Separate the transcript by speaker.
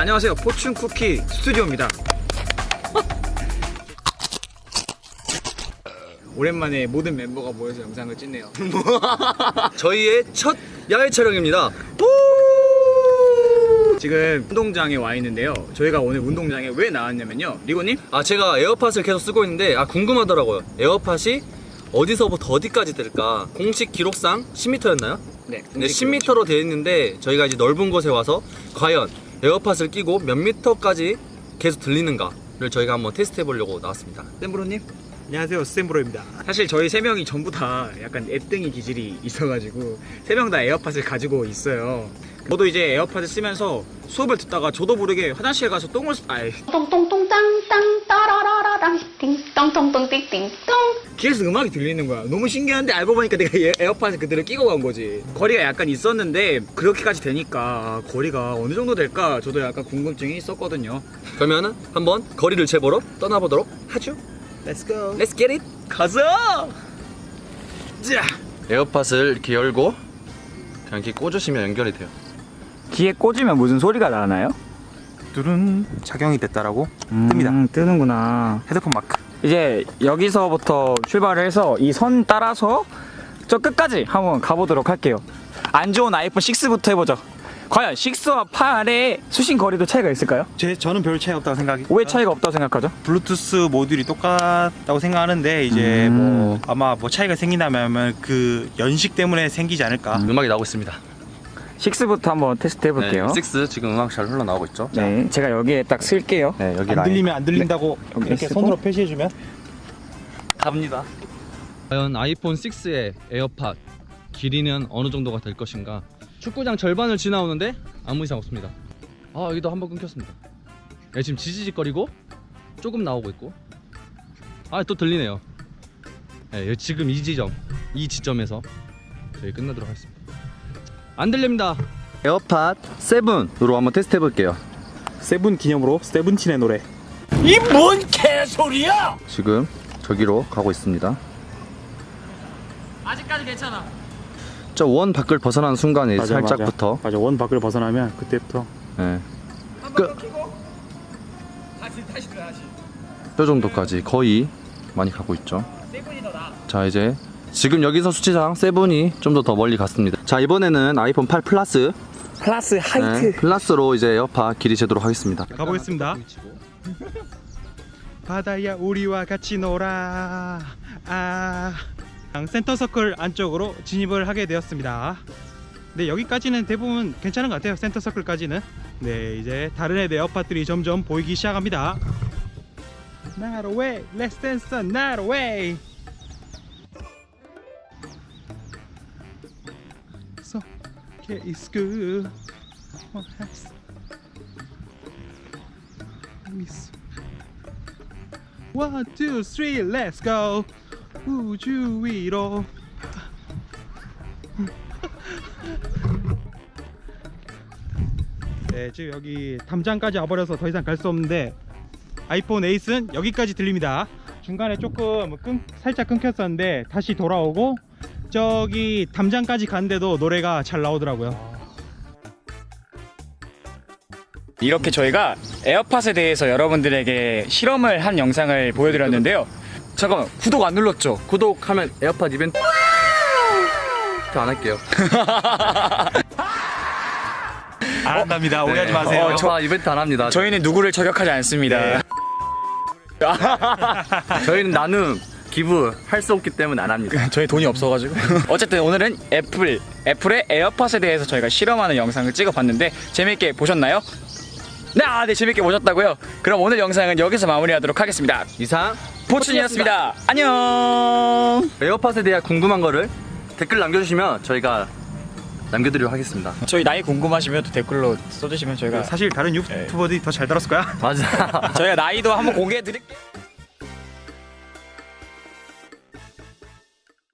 Speaker 1: 안녕하세요, 포춘쿠키 스튜디오입니다. 오랜만에 모든 멤버가 모여서 영상을 찍네요.
Speaker 2: 저희의 첫 야외 촬영입니다.
Speaker 1: 지금 운동장에 와 있는데요. 저희가 오늘 운동장에 왜 나왔냐면요, 리고님?
Speaker 2: 제가 에어팟을 계속 쓰고 있는데 궁금하더라고요. 에어팟이 어디서부터 어디까지 될까? 공식 기록상 10m였나요?
Speaker 1: 네,
Speaker 2: 10m로 되어 있는데 저희가 이제 넓은 곳에 와서 과연 에어팟을 끼고 몇 미터까지 계속 들리는가를 저희가 한번 테스트 해보려고 나왔습니다.
Speaker 1: 샘브로님?
Speaker 3: 안녕하세요, 스탠브로입니다.
Speaker 1: 사실 저희 세 명이 전부 다 약간 애등이 기질이 있어가지고 세 명 다 에어팟을 가지고 있어요. 저도 이제 에어팟을 쓰면서 수업을 듣다가 저도 모르게 화장실에 가서 똥을
Speaker 4: 똥똥똥 땅땅 따라라라랑 띵똥똥똥 띵띵똥.
Speaker 1: 귀에서 음악이 들리는 거야. 너무 신기한데 알고 보니까 내가 에어팟을 그대로 끼고 간 거지. 거리가 약간 있었는데 그렇게까지 되니까 거리가 어느 정도 될까 저도 약간 궁금증이 있었거든요.
Speaker 2: 그러면은 한번 거리를 재보러 떠나보도록 하죠.
Speaker 1: Let's go.
Speaker 2: Let's get it.
Speaker 1: 가자. 자.
Speaker 2: 에어팟을 이렇게 열고 그냥 이렇게 꽂으시면 연결이 돼요.
Speaker 1: 귀에 꽂으면 무슨 소리가 나나요?
Speaker 3: 뚜른 작용이 됐다라고 뜹니다.
Speaker 1: 뜨는구나.
Speaker 3: 헤드폰 마크.
Speaker 1: 이제 여기서부터 출발을 해서 이 선 따라서 저 끝까지 한번 가보도록 할게요. 안 좋은 아이폰 6부터 해보죠. 과연 6와 8의 수신 거리도 차이가 있을까요?
Speaker 3: 저는 별 차이 없다고 생각이.
Speaker 1: 왜 차이가 없다고 생각하죠?
Speaker 3: 블루투스 모듈이 똑같다고 생각하는데 이제 뭐 아마 뭐 차이가 생긴다면 그 연식 때문에 생기지 않을까.
Speaker 2: 음악이 나오고 있습니다.
Speaker 1: 6부터 한번 테스트 해볼게요.
Speaker 2: 6 지금 음악 잘 흘러나오고 있죠?
Speaker 1: 네, 제가 여기에 딱 쓸게요.
Speaker 2: 네, 여기
Speaker 3: 안
Speaker 2: 라인.
Speaker 3: 들리면 안 들린다고
Speaker 1: 여기
Speaker 3: 이렇게
Speaker 1: 쓰고.
Speaker 3: 손으로 표시해주면
Speaker 2: 갑니다. 과연 아이폰 6의 에어팟 길이는 어느 정도가 될 것인가? 축구장 절반을 지나오는데 아무 이상 없습니다. 여기도 한번 끊겼습니다. 네, 지금 지지직거리고 조금 나오고 있고 또 들리네요. 네, 지금 이 지점에서 저희 끝내도록 하겠습니다. 안 들립니다. 에어팟 7으로 한번 테스트 해볼게요.
Speaker 3: 세븐 기념으로 세븐틴의 노래.
Speaker 2: 지금 저기로 가고 있습니다.
Speaker 1: 아직까지 괜찮아.
Speaker 2: 저 원 밖을 벗어나는 순간에 살짝부터
Speaker 3: 맞아, 원 밖을 벗어나면 그때부터
Speaker 2: 네.
Speaker 1: 한번 켜고 다시 들어 다시.
Speaker 2: 저 정도까지 거의 많이 가고 있죠.
Speaker 1: 7이 더 나아.
Speaker 2: 자, 이제 지금 여기서 수치상 7이 좀 더 멀리 갔습니다. 자, 이번에는 아이폰 8 플러스
Speaker 1: 플러스 하이트.
Speaker 2: 플러스로 이제 에어팟 길이 재도록 하겠습니다.
Speaker 3: 가보겠습니다. 바다야 우리와 같이 놀아. 센터 서클 안쪽으로 진입을 하게 되었습니다. 네, 여기까지는 대부분 괜찮은 것 같아요. 센터 서클까지는. 네, 이제 다른 애들 에어팟들이 점점 보이기 시작합니다. Not away, let's dance, not away. So, okay, it's good. Oh, yes. Miss. 1, 2, 3, let's go. 우주 위로. 네, 지금 여기 담장까지 와버려서 더 이상 갈 수 없는데 아이폰 8은 여기까지 들립니다. 중간에 조금 살짝 끊겼었는데 다시 돌아오고 저기 담장까지 갔는데도 노래가 잘 나오더라고요.
Speaker 5: 이렇게 저희가 에어팟에 대해서 여러분들에게 실험을 한 영상을 보여드렸는데요.
Speaker 2: 잠깐만, 구독 안 눌렀죠? 구독하면 에어팟 이벤트 안 할게요.
Speaker 3: 안 한답니다. 오해하지 마세요.
Speaker 2: 에어팟 이벤트 안 합니다.
Speaker 5: 저희는 누구를 저격하지 않습니다.
Speaker 2: 저희는 나눔 기부 할 수 없기 때문에 안 합니다.
Speaker 5: 저희 돈이 없어가지고. 어쨌든 오늘은 애플의 에어팟에 대해서 저희가 실험하는 영상을 찍어봤는데 재밌게 보셨나요? 네, 재밌게 보셨다고요? 그럼 오늘 영상은 여기서 마무리하도록 하겠습니다.
Speaker 2: 이상
Speaker 5: 포춘이었습니다. 안녕.
Speaker 2: 에어팟에 대한 궁금한 거를 댓글 남겨주시면 저희가 남겨드리도록 하겠습니다.
Speaker 5: 저희 나이 궁금하시면 또 댓글로 써주시면 저희가
Speaker 3: 사실 다른 유튜버들이 더 잘 들었을 거야.
Speaker 2: 맞아.
Speaker 5: 저희가 나이도 한번 공개해드릴게요.